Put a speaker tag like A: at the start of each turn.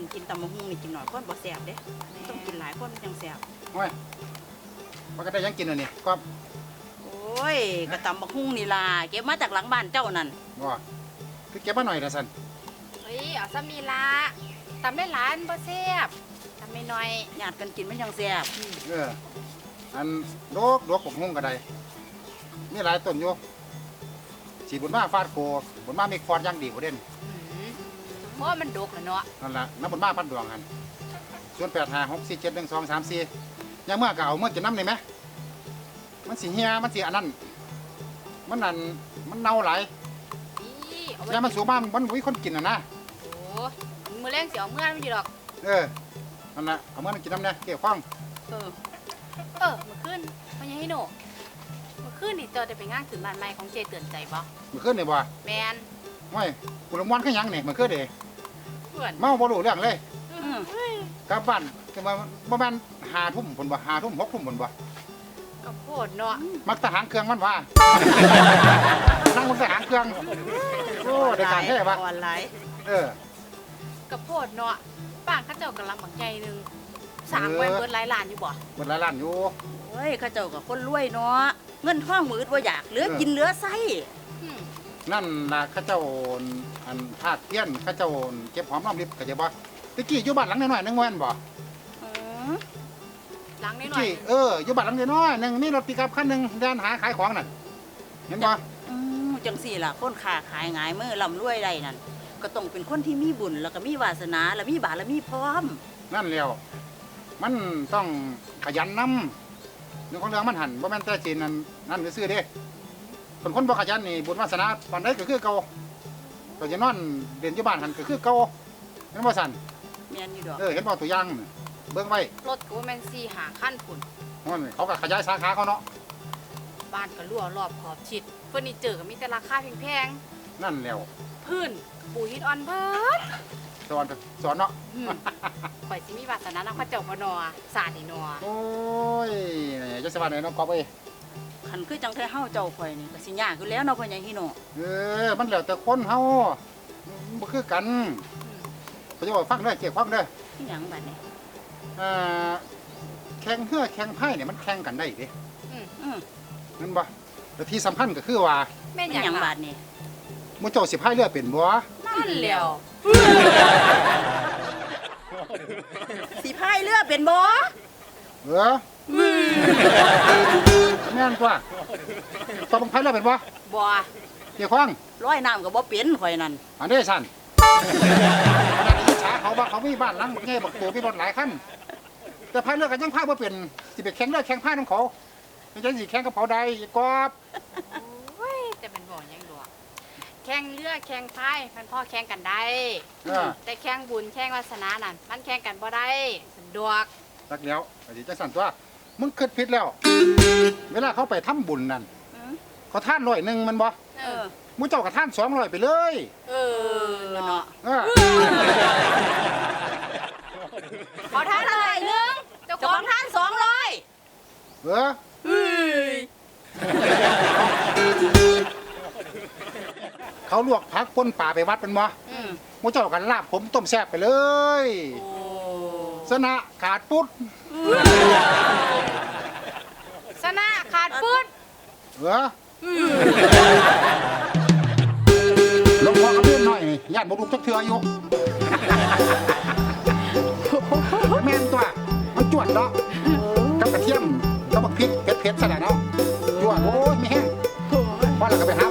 A: กินตำบักหุ่งนี่กินหน่อยคนบ่แซ่บเด้ต้องกินหลายคนจังแซ่บ
B: โอ้ยมันก็ได้ยังกินอันนี้ก็
A: โอ้ยก็ตำบักหุ่งนี่ล่ะเก็บมาจากหลังบ้านเจ้านั่น
B: บ่คือเก็บมาหน่อยละสัน
C: เฮ้ยเอาซ้ำนี่ละตำได้หลานบ่แซ่บตำไม่น้อย
A: ญาติกันกินมันจังแซ่บ
B: อันโลกปกหุ้งก็ได้มีหลายต้นอยู่สีบุญมาฟาดโคบุญมามีคอนย่างดีกว่าเด่น
C: เพราะมันดกแล้วเนาะ
B: นั่นละน้ำบุญมาพันดวงกันส่วน856471234ยังเมื่อก็เอาเมื่อจะน้ำเลยไหมมันสีเฮียมันสีอันนั้นมันนั่นมันเน่าหลาย
C: นี่เอาไว้
B: ยามันสูงมากมันมีคนกินอ่ะนะ
C: โอ้มือแรงสิเอาเมื่อมันอยู่ดอก
B: นั่นละเอาเมื่อมันกินน้ำเนี่ยเกี่ยวข้อง
A: เออ
C: มื้อคืนพ่อใหญ่ให้หนูมื้อคืนนี่เจอได้ไปงานขึ้นบ้านใหม่ของเจเตือนใจบ่
B: มันขึ้นเนี่ยบ่
C: แมน
B: ไม่กุลมวันก็ยังเนี่ยมันขึ้นเด้
C: เพื่อน
B: เมาบ่รู้เรื่องเลย
A: อืม
B: กลับบ้านจะมาประมาณ5 ทุ่มผลบ่5 ทุ่ม6 ทุ่มผลบ่
C: ก็โพดเนาะ
B: มักทหารเครื่องมันว่า นั่งบนทหารเครื่องโอ้ได้การแท้ปะ
A: ออนไลน์
C: ก็โพดเนาะบ้านเขาเจ้ากำลังบักใหญ่หนึงสร้างไว้เบิดหลายล้านอยู่บ่
B: หมดหลายล้านอยู่
A: โอ้ยเขาเจ้าก็คนรวยเนาะเงินทองมืดบ่อยากเหลือกินเหลือใช้
C: อืม
B: นั่นล่ะเข้าเจ้าอันภาคเพี้ยนเข้าเจ้าเก็บหอมรอมริบก็จะบ่ตะกี้อยู่บ้านหลังน้อยๆนึงแม่นบ่
A: อืม
C: หลัง
B: ตะ
C: น้อย
B: กี้อยู่บ้านหลังน้อยๆนึงมีรถปิกอัพคันหนึงเดินหาขายของนั่นเห็นบ่
A: จังสี่ล่ะคนค้าขายง่ายมือร่ำรวยได้นั่นก็ต้องเป็นคนที่มีบุญแล้วก็มีวาสนาแล้วมีบารมีพร้อม
B: นั่นแล้วมันต้องขยันนำเรื่องของเรื่องมันหันบ่แม่นแต่จีนนั่นซื่อๆเด้คนบ่ขยันนี่บุญวาสนาปานใดก็คือเก่าก็จะนอนเรียนอยู่บ้านหันก็คือเก่าเห็นบ่สั่น
A: แม่นอยู่ดอก
B: เห็นบ่ตัวอย่างน่ะเบิ่งไว้
C: ๆรถก็บ่แม่น4-5คันพุ่น
B: นั่นเขาก็ขยายสาขาเขาเนาะ
C: บ้านก็รั่วรอบขอบชิดเฟอร์นิเจอร์ก็มีแต่ราคาแพง
B: นั่นแล้ว
C: ๆพื้นปูหินอ่อนเบิด
B: สอนเนาะ
C: ข่อยสิมีวาสนานำพระเจ้าบ่นอสาดนี่นอ
B: โอ้ยจะสบายไหนเนาะกอบเอ้ย
A: คันคือจังไทเฮาเจ้าข่อยนี่ก็สิยากอยู่แล้วเนาะพ่อใหญ่ฮิโน
B: มันแล้วแต่คนเฮาบ่คือกันเขาจะบอกฟังเด้อเกี่ยวฟังเด้อ
A: อีหยังบัดนี้
B: แข่งเฮือแข่งไพ่เนี่ยมันแข่งกันได้เด้
A: อืม
B: นั่นบ่แต่ที่สำคัญก็คือว่า
C: แม่น
A: เป็น
C: หยัง
A: หยัง
C: ล่ะ
A: บาดนี้
B: หมู่เจ้าสิพายเรือเป็นบ่
C: นั่นแหล้ว
A: สิพายเรือเป็นบ่
B: เออแม่นตัวต้องพายเรือเป็นบ่
A: บ่
B: เกี่ยวข้อง
A: ร้อยน้ำก็บ่เป็นข่อยนั่น
B: อันนี้สั่นอิจฉาเขาว่าเขามีบ้านหลังใหญ่บักโตมีรถหลายคันแต่พายเรือกันยังพายบ่เป็นสิไปแข่งเรือแข่งพายนํเขาไม่ใช่สิแข่งกับเขาใดอีกอบ
C: โอ้ยแต่เป็นบ่หยังดอกแข่งเรือแข่งพายมันพ่อแข่งกันได้ แต่แข่งบุญแข่งวาสนานั่นมันแข่งกันบ่ได้สะดวก
B: รักแล้วไอ้ที่จะสั่นตัวมึงคิดผิดแล้ว เวลาเขาไปทำบุญนั่น
A: อืม
B: เขาท่าน100มันบ่
A: เออ
B: มึงเจ้ากับท่าน200ไปเลย
C: เอ
A: เนาะ
B: เออ
C: ขอท่านอะไรนึงเจ้า
A: เจ้า
C: ข
A: ข
C: อ
A: อง งท่าน200
B: เออ
A: เฮ้ย
B: เขาลวกผักป่นป่าไปวัดเป็นบ่
A: อืม
B: มึงเจ้ากันลาบผมต้มแซ่บไปเลย
A: โอ้
B: สนะขาดปุ๊ด
C: ชนะขาดปืน
B: เออหลวงพ่อก็เลื่อนหน่อยนี่ญาติบ่ลูกจักเทื่ออยู่ แม่นตัวมันจวดเนาะกับกระเทียมกับบักพริกเผ็ดๆซะแล้วเนาะจวดโอ้ยไม่แห้งพอแล้วก็ไปหา